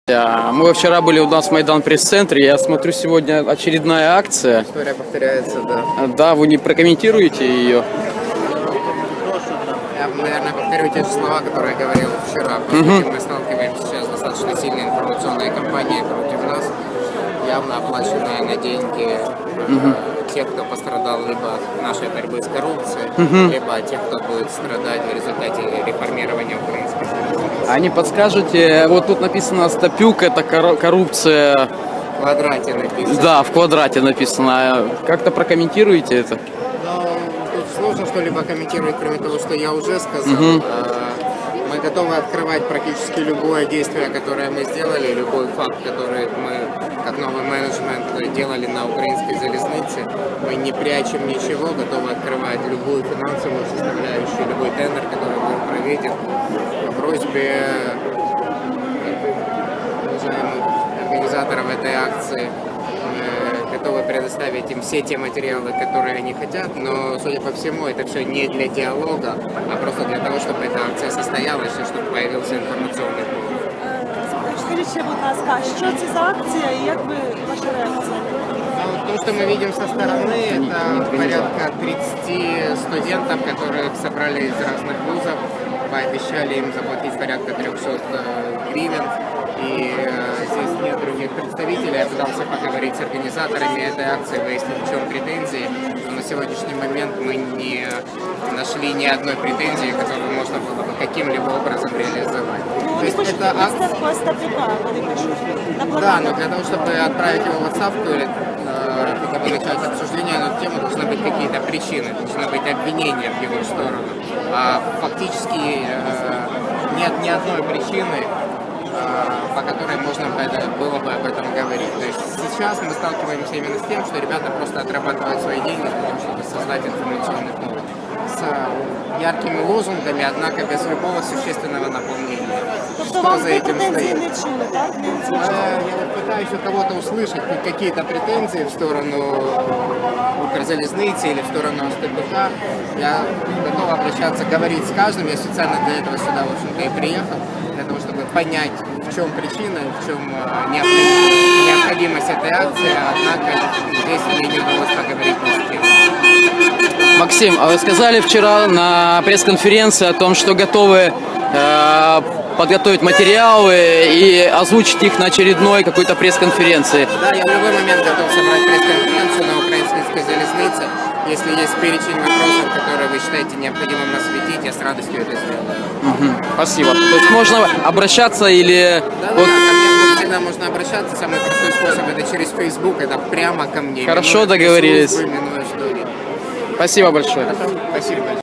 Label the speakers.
Speaker 1: Мы вчера были у нас в Майдан пресс-центре, я смотрю, сегодня очередная акция.
Speaker 2: История повторяется, да.
Speaker 1: Да, вы не прокомментируете ее?
Speaker 2: Я, наверное, повторю те же слова, которые я говорил вчера. По сути, мы сталкиваемся сейчас с достаточно сильной информационной кампанией против нас, явно оплаченная на деньги тех, кто пострадал либо от нашей борьбы с коррупцией, либо от тех, кто будет страдать в результате реформирования украинской страны.
Speaker 1: А не подскажете, вот тут написано «Стапюк» — это коррупция.
Speaker 2: В квадрате написано.
Speaker 1: Да, в квадрате написано. Как-то прокомментируете это?
Speaker 2: Но тут сложно что-либо комментировать, кроме того, что я уже сказал. Мы готовы открывать практически любое действие, которое мы сделали, любой факт, который мы, как новый менеджмент, делали на украинской залезнице. Мы не прячем ничего, готовы открывать любую финансовую составляющую, любой тендер, который был проведен. По просьбе уважаемых организаторов этой акции готовы предоставить им все те материалы, которые они хотят, но, судя по всему, это все не для диалога, а просто для того, чтобы эта акция состоялась и чтобы появился информационный повод.
Speaker 3: Скажіть, будь ласка, що це за акція і як ви ваша реакція?
Speaker 2: То, что мы видим со стороны, это порядка 30 студентов, которых собрали из разных вузов, пообещали им заплатить порядка 300 гривен. И здесь нет других представителей. Я пытался поговорить с организаторами этой акции, выяснить, в чем претензии. Но на сегодняшний момент мы не нашли ни одной претензии, которую можно было бы каким-либо образом реализовать. То есть это да, но для того, чтобы отправить его в отставку или хотя бы начать обсуждение на эту тему, должны быть какие-то причины, должны быть обвинения в его сторону. А фактически нет ни одной причины, по которой можно было бы об этом говорить. То есть сейчас мы сталкиваемся именно с тем, что ребята просто отрабатывают свои деньги для того, чтобы создать информационный повод. С яркими лозунгами, однако без любого существенного наполнения. Что за этим стоит? Я пытаюсь у кого-то услышать хоть какие-то претензии в сторону Укрзалезницы или в сторону СТБК. Я готов обращаться, говорить с каждым. Я специально для этого сюда, в общем-то, и приехал, для того, чтобы понять, в чем причина, в чем необходимость этой акции, однако здесь мне не удалось поговорить ни с кем.
Speaker 1: Максим, а вы сказали вчера на пресс-конференции о том, что готовы подготовить материалы и озвучить их на очередной какой-то пресс-конференции.
Speaker 2: Да, я в любой момент готов собрать пресс-конференцию на украинской залезнице. Если есть перечень вопросов, которые вы считаете необходимым осветить, я с радостью это сделаю.
Speaker 1: Спасибо. То есть можно обращаться или...
Speaker 2: Да, ко мне всегда можно обращаться. Самый простой способ — это через Facebook, это прямо ко мне.
Speaker 1: Хорошо, договорились.
Speaker 2: Минуя службы, минуя что-либо.
Speaker 1: Спасибо большое.
Speaker 2: Спасибо большое.